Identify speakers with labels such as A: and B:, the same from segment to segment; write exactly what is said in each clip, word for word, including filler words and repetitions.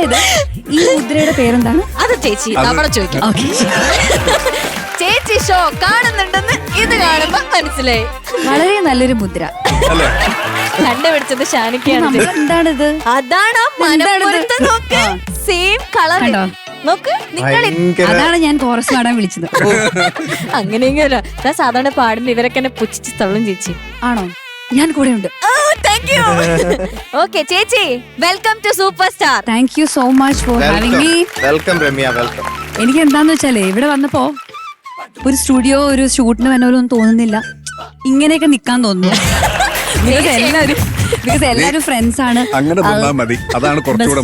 A: അതായത് ഈ മുദ്രയുടെ പേരെന്താണ്?
B: അത് ചേച്ചി നമ്മളെ ചോദിക്കാം. ചേച്ചി ഷോ കാണുന്നുണ്ടെന്ന് ഇത് കാണുമ്പോ മനസ്സിലായി.
A: വളരെ നല്ലൊരു മുദ്ര
B: കണ്ടുപിടിച്ചത് ഷാനിക്കാണ്.
A: എന്താണിത്?
B: അതാണ് സെയിം കളർ. നോക്ക് നിങ്ങൾ.
A: അതാണ് ഞാൻ കോറസ് പാടാൻ വിളിച്ചത്.
B: അങ്ങനെയെങ്കിലും സാധാരണ പാടുന്ന ഇവരൊക്കെ എന്നെ പുച്ഛിച്ച് തള്ളും ചേച്ചി.
A: ആണോ? ഞാൻ കൂടെ ഉണ്ട്.
B: ഓക്കെ ചേച്ചി, welcome to super star.
A: Thank you so much for having me.
C: Welcome Ramya, welcome.
A: എനിക്ക് എന്താന്ന് വെച്ചാലേ ഇവിടെ വന്നപ്പോ ഒരു സ്റ്റുഡിയോ ഒരു ഷൂട്ടിന് വന്നവരൊന്നും തോന്നുന്നില്ല. ഇങ്ങനെയൊക്കെ നിക്കാൻ തോന്നുന്നു. ബിക്കോസ് എല്ലാവരും ബിക്കോസ് എല്ലാവരും ഫ്രണ്ട്സ് ആണ്.
D: അങ്ങനെ മതി. അതാണ് കുറച്ചുകൂടെ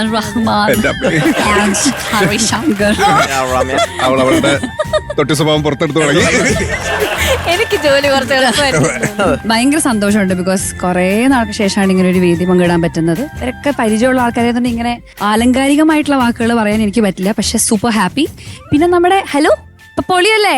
D: അവൾ അവളുടെ തൊട്ടി സ്വഭാവം പുറത്തെടുത്ത് തുടങ്ങി.
B: എനിക്ക് ജോലി കുറച്ച്
A: ഭയങ്കര സന്തോഷമുണ്ട്. ബിക്കോസ് കുറെ നാൾക്ക് ശേഷമാണ് ഇങ്ങനെ ഒരു വേദി പങ്കിടാൻ പറ്റുന്നത്. ഇവരൊക്കെ പരിചയമുള്ള ആൾക്കാരെ കൊണ്ട് ഇങ്ങനെ ആലങ്കാരികമായിട്ടുള്ള വാക്കുകൾ പറയാൻ എനിക്ക് പറ്റില്ല. പക്ഷെ സൂപ്പർ ഹാപ്പി. പിന്നെ നമ്മുടെ ഹലോ പൊളിയല്ലേ,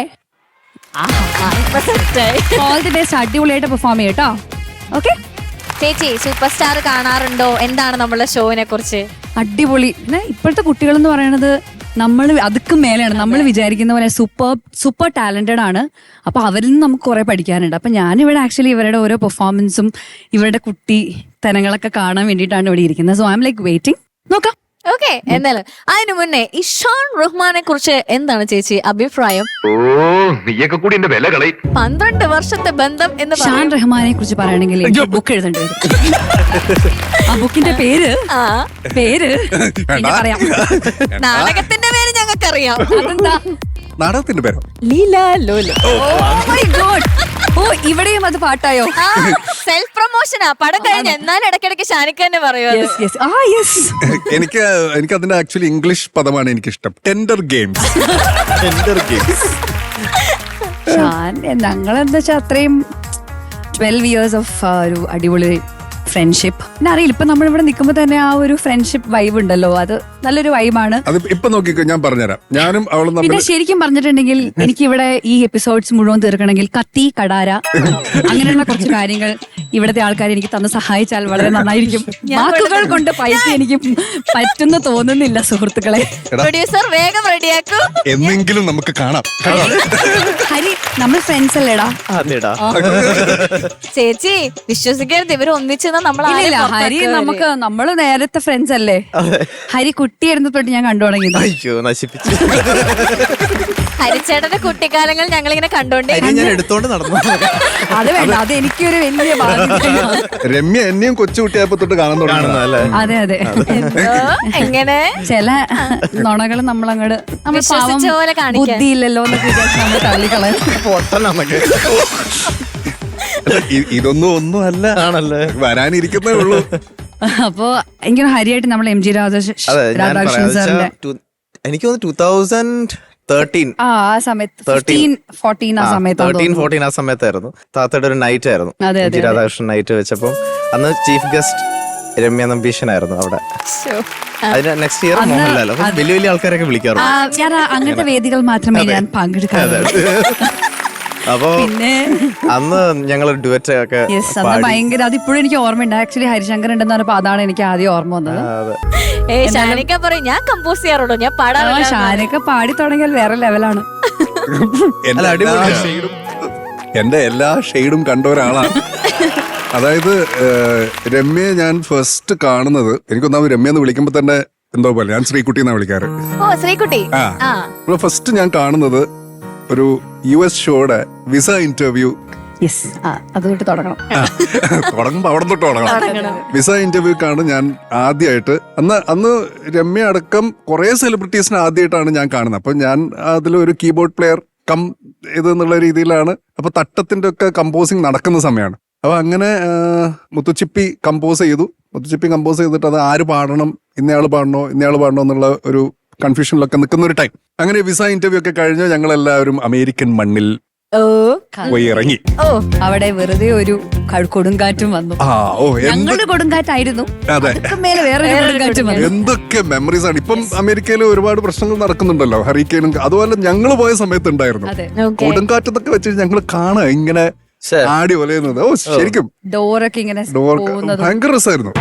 A: ഓൾ ദി ബെസ്റ്റ്. അടിപൊളിയായിട്ട് പെർഫോം ചെയ്യട്ടോ. ഓക്കെ
B: ചേച്ചി, സൂപ്പർ സ്റ്റാർ കാണാറുണ്ടോ? എന്താണ് നമ്മളെ ഷോവിനെ കുറിച്ച്?
A: അടിപൊളി. പിന്നെ ഇപ്പോഴത്തെ കുട്ടികൾ എന്ന് പറയുന്നത് നമ്മൾ അതുക്കും മേലെയാണ്. നമ്മൾ വിചാരിക്കുന്ന പോലെ സൂപ്പർ സൂപ്പർ ടാലന്റഡ് ആണ്. അപ്പൊ അവരിൽ നിന്ന് നമുക്ക് കുറെ പഠിക്കാനുണ്ട്. അപ്പൊ ഞാനിവിടെ ആക്ച്വലി ഇവരുടെ ഓരോ പെർഫോമൻസും ഇവരുടെ കുട്ടി തനങ്ങളൊക്കെ കാണാൻ വേണ്ടിയിട്ടാണ് ഇവിടെ ഇരിക്കുന്നത്. So I'm like waiting. നോക്കാം.
B: ഓക്കെ, എന്നാലും അതിനു മുന്നേ ഈ ഷാൻ റഹ്മാനെ കുറിച്ച് എന്താണ് ചേച്ചി അഭിപ്രായം?
E: ഓ, നീയൊക്കെ കൂടി എന്റെ വില കളയും.
B: പന്ത്രണ്ട് വർഷത്തെ ബന്ധം എന്ന്
A: ഷാൻ റഹ്മാനെ കുറിച്ച് പറയണമെങ്കിൽ എനിക്ക് ബുക്ക് എഴുതേണ്ടി വരും. ആ ബുക്കിന്റെ പേര് പേര് പിന്നെ പറയാം.
B: നാടകത്തിന്റെ പേര് ഞങ്ങൾക്കറിയാം.
A: അതെന്താ
D: നാടകത്തിന്റെ പേരോ?
B: Leela Lola.
A: Oh my god. Oh, ഇവിടെയും അത് പാട്ടായോ?
B: സെൽഫ് പ്രൊമോഷനാ. പടം കഴിഞ്ഞ എന്നാലും ഇടയ്ക്കിടയ്ക്ക് ഷാനിക്ക തന്നെ പറയുമോ?
D: എനിക്ക് എനിക്ക് അതിന്റെ ആക്ച്വലി ഇംഗ്ലീഷ് പദമാണ് എനിക്കിഷ്ടം. Tender games. Tender games.
A: Shan ഞങ്ങളെന്താ വെച്ചാൽ അത്രയും ട്വൽവ് ഇയേഴ്സ് ഓഫ് ഒരു അടിപൊളി ഫ്രണ്ട്ഷിപ്പ്. പിന്നെ അറിയില്ല, ഇപ്പൊ നമ്മളിവിടെ നിൽക്കുമ്പോ തന്നെ ആ ഒരു ഫ്രണ്ട്ഷിപ്പ് വൈബ് ഉണ്ടല്ലോ, അത് നല്ലൊരു വൈബാണ്.
D: അത് ഇപ്പൊ നോക്കിക്കോ, ഞാൻ പറഞ്ഞുതരാം. ഞാനും അവളും
A: പിന്നെ ശരിക്കും പറഞ്ഞിട്ടുണ്ടെങ്കിൽ എനിക്ക് ഇവിടെ ഈ എപ്പിസോഡ്സ് മുഴുവൻ തീർക്കണമെങ്കിൽ കത്തി കടാര അങ്ങനെയുള്ള കുറച്ച് കാര്യങ്ങൾ ഇവിടുത്തെ ആൾക്കാർ എനിക്ക് തന്ന് സഹായിച്ചാൽ വളരെ നന്നായിരിക്കും. വാക്കുകൾ കൊണ്ട് പൈസ എനിക്ക് പറ്റുന്ന തോന്നുന്നില്ല സുഹൃത്തുക്കളെ.
B: പ്രൊഡ്യൂസർ വേഗം റെഡിയാക്കൂ.
D: എന്നെങ്കിലും നമുക്ക് കാണാം.
A: ഹരി, നമ്മൾ ഫ്രണ്ട്സ് അല്ലേടാ?
B: ചേച്ചി വിശ്വസിക്കരുത്, ഇവർ ഒന്നിച്ചെന്ന് നമ്മൾ.
A: ഹരി നമുക്ക് നമ്മള് നേരത്തെ ഫ്രണ്ട്സ് അല്ലേ? ഹരി കുട്ടിയായിരുന്നു തൊട്ട് ഞാൻ കണ്ടു തുടങ്ങിയത്.
C: അയ്യോ, നശിപ്പിച്ചു.
B: ഹരിച്ചേട്ടന്റെ കുട്ടിക്കാലങ്ങൾ ഞങ്ങളിങ്ങനെ കണ്ടോണ്ടേ
C: എടുത്തോണ്ട് നടന്നു.
A: അത് വേണ്ട, അത് എനിക്കൊരു വലിയ ബാധ്യതയാണ്.
D: രമ്യ എന്നെയും കൊച്ചുകുട്ടിയായപ്പോ തൊട്ട് കാണാൻ തുടങ്ങുന്നല്ലേ?
A: അതെ അതെ.
B: എങ്ങനെ
A: ചില നുണകൾ നമ്മളങ്ങോട്ട് നമ്മൾ
B: വിശ്വസിച്ച പോലെ കാണിക്കാൻ
A: ബുദ്ധിയില്ലല്ലോ എന്നൊക്കെ വിചാരിച്ച് നമ്മൾ തള്ളിക്കളയാൻ.
D: ഇതൊന്നും ഒന്നും അല്ല, ആണല്ലേ, വരാനിരിക്കുന്നേ ഉള്ളൂ.
A: അപ്പൊ എനിക്ക് ഹരിയായിട്ട് നമ്മൾ എം ജി രാധാകൃഷ്ണൻ സാറിന്റെ
C: എനിക്ക് തോന്നുന്നു ടൂ തൗസൻഡ് തേർട്ടീൻ
A: ആ സമയത്ത് ഫോർട്ടീൻ ആ സമയത്ത്
C: ആ സമയത്തായിരുന്നു. താത്തയുടെ ഒരു നൈറ്റ് ആയിരുന്നു,
A: എം
C: ജി രാധാകൃഷ്ണൻ നൈറ്റ് വെച്ചപ്പം അന്ന് ചീഫ് ഗസ്റ്റ് രമ്യ നമ്പീശനായിരുന്നു അവിടെ. അതിന് നെക്സ്റ്റ് ഇയർ മോഹൻലാൽ. അപ്പൊ വലിയ വലിയ ആൾക്കാരൊക്കെ വിളിക്കാറുണ്ട്.
A: ഞാൻ അങ്ങനത്തെ വേദികൾ മാത്രമേ ഞാൻ പങ്കെടുക്കാറുള്ളൂ.
C: അപ്പൊ പിന്നെ അന്ന് ഞങ്ങൾ ഡുവറ്റ് ഒക്കെ
A: ഭയങ്കര, അതിപ്പോഴും എനിക്ക് ഓർമ്മയുണ്ട്. ആക്ച്വലി ഹരിശങ്കർ ഉണ്ടെന്ന് പറഞ്ഞപ്പോ അതാണ് എനിക്ക് ആദ്യം ഓർമ്മ വന്നത്.
B: ഷാനിക്ക പറയും ഞാൻ കമ്പോസ് ചെയ്യാറുള്ളൂ, ഞാൻ പാടാറുള്ളൂ.
A: ഷാനിക്ക പാടി തുടങ്ങിയാൽ വേറെ ലെവലാണ്.
D: എന്റെ എല്ലാ ഷെയ്ഡും കണ്ട ഒരാളാണ്. അതായത് രമ്യയെ ഞാൻ ഫസ്റ്റ് കാണുന്നത്, എനിക്കൊന്നാമത് രമ്യ എന്ന് വിളിക്കുമ്പോ തന്നെ എന്തോ പോലെ, ഞാൻ ശ്രീകുട്ടി എന്നാ വിളിക്കാറ്.
B: ഓ ശ്രീകുട്ടി.
D: ആ, ഫസ്റ്റ് ഞാൻ കാണുന്നത് ഒരു യു എസ് ഷോയുടെ വിസ ഇന്റർവ്യൂ.
A: അതുകൊണ്ട് തുടങ്ങണം
D: തുടങ്ങുമ്പോ അവിടെ തൊട്ട് തുടങ്ങണം. വിസ ഇന്റർവ്യൂക്കാണ് ഞാൻ ആദ്യമായിട്ട്. അന്ന് അന്ന് രമ്യ അടക്കം കുറെ സെലിബ്രിറ്റീസിനെ ആദ്യമായിട്ടാണ് ഞാൻ കാണുന്നത്. അപ്പൊ ഞാൻ അതിലൊരു കീബോർഡ് പ്ലെയർ കം ഇതെന്നുള്ള രീതിയിലാണ്. അപ്പൊ തട്ടത്തിന്റെ ഒക്കെ കമ്പോസിങ് നടക്കുന്ന സമയമാണ്. അപ്പൊ അങ്ങനെ മുത്തുച്ചിപ്പി കമ്പോസ് ചെയ്തു. മുത്തുച്ചിപ്പി കമ്പോസ് ചെയ്തിട്ട് അത് ആര് പാടണം, ഇന്നയാള് പാടണോ ഇന്നയാള് പാടണോ എന്നുള്ള ഒരു കൺഫ്യൂഷനിലൊക്കെ നിൽക്കുന്ന ഒരു ടൈം. അങ്ങനെ വിസ ഇന്റർവ്യൂ ഒക്കെ കഴിഞ്ഞ് ഞങ്ങൾ എല്ലാവരും അമേരിക്കൻ മണ്ണിൽ പോയി ഇറങ്ങി.
A: ഓ, അവിടെ വെറുതെ ഒരു കൊടുങ്കാറ്റും വന്നു.
D: ആ ഓ,
A: ഞങ്ങളുടെ കൊടുങ്കാറ്റായിരുന്നു.
D: അതെ, എന്തൊക്കെ മെമ്മറീസ് ആണ്. ഇപ്പം അമേരിക്കയിൽ ഒരുപാട് പ്രശ്നങ്ങൾ നടക്കുന്നുണ്ടല്ലോ, ഹറിക്കെയിനും. അതുപോലെ ഞങ്ങൾ പോയ സമയത്ത് ഉണ്ടായിരുന്നു കൊടുങ്കാറ്റെന്നൊക്കെ വെച്ച് ഞങ്ങൾ കാണുക ഇങ്ങനെ
C: ശ്ശെ.
D: ആടി ഒലയുന്നത്. ഓ ശരിക്കും
A: ഡോറൊക്കെ ഇങ്ങനെ
D: ഡോർ
A: പോകുന്നതും
D: ഭയങ്കര രസമായിരുന്നു.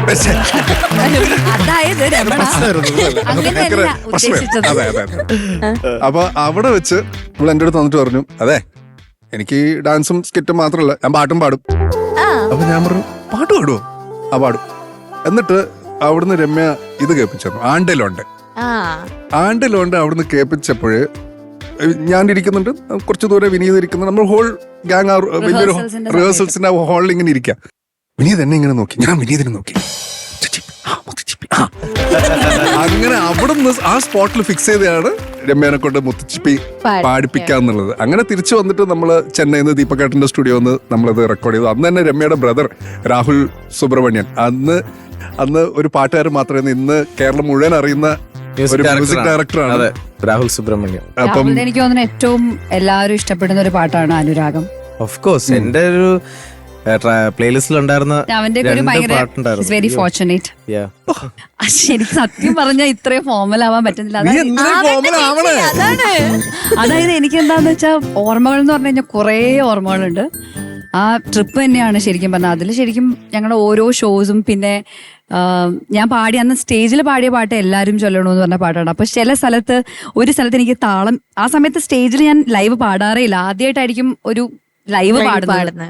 A: അതായത് രമണ അങ്ങനെയല്ല ഉദ്ദേശിച്ചത്.
D: അതെ അതെ അതെ. അപ്പൊ അവിടെ വെച്ച് നമ്മൾ എന്റെ അടുത്ത് വന്നിട്ട് പറഞ്ഞു, അതെ എനിക്ക് ഈ ഡാൻസും സ്കിറ്റും മാത്രമല്ല ഞാൻ പാട്ടും പാടും. അപ്പൊ ഞാൻ പറഞ്ഞു പാട്ട് പാടുവോ? ആ പാടും. എന്നിട്ട് അവിടുന്ന് രമ്യ ഇത് കേൾപ്പിച്ചു, ആണ്ടിലുണ്ട്. ആണ്ടിലുണ്ട് അവിടുന്ന് കേൾപ്പിച്ചപ്പോഴ് ഞാൻ ഇരിക്കുന്നുണ്ട്, കുറച്ച് ദൂരെ വിനീത് ഇരിക്കുന്നുണ്ട്. നമ്മൾ ഹോൾ ഗ്യാങ് വലിയൊരു
A: Rehearsals-ന്റെ
D: റിഹേഴ്സൽസിന്റെ ഹാളിൽ ഇങ്ങനെ ഇരിക്കാം. വിനീത് എന്നെ ഇങ്ങനെ നോക്കി, ഞാൻ വിനീതിനെ നോക്കി. ആ, മുത്തുച്ചിപ്പി, ആ. അങ്ങനെ അവിടുന്ന് ആ സ്പോട്ടിൽ ഫിക്സ് ചെയ്തതാണ് രമ്യനെ കൊണ്ട് മുത്തുച്ചിപ്പി പാടിപ്പിക്കാന്നുള്ളത്. അങ്ങനെ തിരിച്ചു വന്നിട്ട് നമ്മള് ചെന്നൈയിൽ നിന്ന് ദീപകേട്ടന്റെ സ്റ്റുഡിയോ നിന്ന് നമ്മളത് റെക്കോർഡ് ചെയ്തു. അന്ന് തന്നെ രമ്യയുടെ ബ്രദർ രാഹുൽ സുബ്രഹ്മണ്യൻ, അന്ന് അന്ന് ഒരു പാട്ടുകാരൻ മാത്രമേ ഇന്ന് കേരളം മുഴുവൻ അറിയുന്ന ഒരു മ്യൂസിക് ഡയറക്ടറാണ്.
C: അതെ, രാഹുൽ സുബ്രഹ്മണ്യം.
D: അപ്പം
A: രാഹുലിനെ എനിക്ക് തോന്നുന്നു ഏറ്റവും എല്ലാവരും ഇഷ്ടപ്പെടുന്ന ഒരു പാട്ടാണ് അനുരാഗം.
C: ഓഫ് കോഴ്സ് എന്റെ ഒരു പ്ലേലിസ്റ്റിൽ ഉണ്ടായിരുന്ന
A: അവന്റെ ഒരു ഭയങ്കര വെരി ഫോർച്ചുനേറ്റ്.
C: Yeah.
A: ശരിക്കും സത്യം പറഞ്ഞാൽ ഇത്രയും ഫോമൽ ആവാൻ പറ്റുന്നില്ല.
D: നീ
A: അതായത്
D: എന്തിനാ formal ആവണേ?
A: അതായത് എനിക്ക് എന്താന്ന് വെച്ചാൽ ഓർമ്മകൾ എന്ന് പറഞ്ഞു കഴിഞ്ഞാൽ കുറേ ഓർമ്മകളുണ്ട്. ആ ട്രിപ്പ് തന്നെയാണ് ശരിക്കും പറഞ്ഞാൽ. അതിൽ ശരിക്കും ഞങ്ങളുടെ ഓരോ ഷോസും പിന്നെ ആ, ഞാൻ പാടി അന്ന് സ്റ്റേജിൽ പാടിയ പാട്ട് എല്ലാവരും ചൊല്ലണമെന്ന് പറഞ്ഞ പാട്ടാണ്. അപ്പൊ ചില സ്ഥലത്ത് ഒരു സ്ഥലത്ത് എനിക്ക് താളം, ആ സമയത്ത് സ്റ്റേജിൽ ഞാൻ ലൈവ് പാടാറേ ഇല്ല, ആദ്യമായിട്ടായിരിക്കും ഒരു ലൈവ് പാടുന്നത്.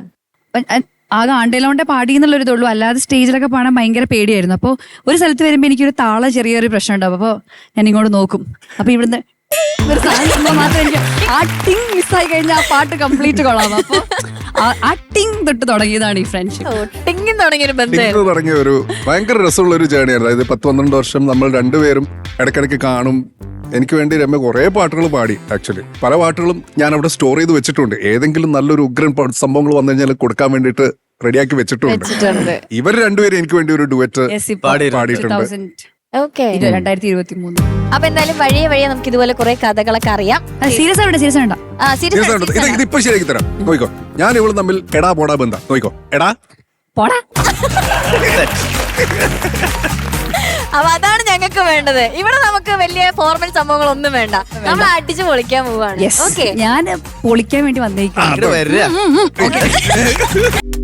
A: ആകെ ആണ്ടേലോണ്ടെ പാടി എന്നുള്ളൊരു ഇതുള്ളൂ, അല്ലാതെ സ്റ്റേജിലൊക്കെ പാടാൻ ഭയങ്കര പേടിയായിരുന്നു. അപ്പോൾ ഒരു സ്ഥലത്ത് വരുമ്പോൾ എനിക്കൊരു താള ചെറിയൊരു പ്രശ്നം ഉണ്ടാവും. അപ്പോൾ ഞാൻ ഇങ്ങോട്ട് നോക്കും, അപ്പൊ ഇവിടുന്ന് ഒരു സാധനം മാത്രം എനിക്ക് ആ ടിങ് മിസ്സായി കഴിഞ്ഞാൽ ആ പാട്ട് കംപ്ലീറ്റ് കൊള്ളാം. അപ്പോൾ ആ ടിങ് തൊട്ട് തുടങ്ങിയതാണ് ഈ ഫ്രണ്ട്ഷിപ്പ്.
B: ടിങ്ങി തുടങ്ങിയൊരു ബന്ധം.
D: ടിങ് തുടങ്ങിയ ഒരു ഭയങ്കര രസമുള്ള ഒരു ജേണിയാണ്. അതായത് പത്ത് പന്ത്രണ്ട് വർഷം നമ്മൾ രണ്ടുപേരും ഇടയ്ക്കിടയ്ക്ക് കാണും. എനിക്ക് വേണ്ടി രമ്യ കുറേ പാട്ടുകൾ പാടി. ആക്ച്വലി പല പാട്ടുകളും ഞാൻ അവിടെ സ്റ്റോർ ചെയ്ത് വെച്ചിട്ടുണ്ട്. ഏതെങ്കിലും നല്ലൊരു ഉഗ്രൻ പ- സംഭവങ്ങൾ വന്നു കഴിഞ്ഞാൽ കൊടുക്കാൻ വേണ്ടിയിട്ട് റെഡിയാക്കി വെച്ചിട്ടുണ്ട്. ഇവർ രണ്ടുപേരും എനിക്ക് വേണ്ടി ഒരു ഡുവറ്റ് പാടിയിട്ടുണ്ട്.
B: ഓക്കെ,
A: രണ്ടായിരത്തി ഇരുപത്തി മൂന്ന്.
B: അപ്പൊ എന്തായാലും വഴിയെ വഴിയെ നമുക്ക് ഇതുപോലെ കുറെ കഥകളൊക്കെ അറിയാം.
A: സീരിയസ് ആവണ്ട സീരിയസ് ആവണ്ട
B: ആ, serious
D: Yes,
B: ആണ്,
D: ഇത്
B: serious ആണ്.
D: ഇതിപ്പോ ശരിയാക്കി തരാം. നോയിക്കോ, ഞാൻ ഇവള് തമ്മിൽ എടാ പോടാ ബന്ധം. നോയിക്കോ, എടാ
A: പോടാ.
B: അപ്പൊ അതാണ് ഞങ്ങൾക്ക് വേണ്ടത്. ഇവിടെ നമുക്ക് വലിയ ഫോർമൽ സംഭവങ്ങളൊന്നും വേണ്ട, നമ്മൾ അടിച്ചു പൊളിക്കാൻ പോവാണ്.
A: Yes.
B: ഓക്കെ,
A: ഞാൻ പൊളിക്കാൻ വേണ്ടി വന്നേക്കും.
C: വരിക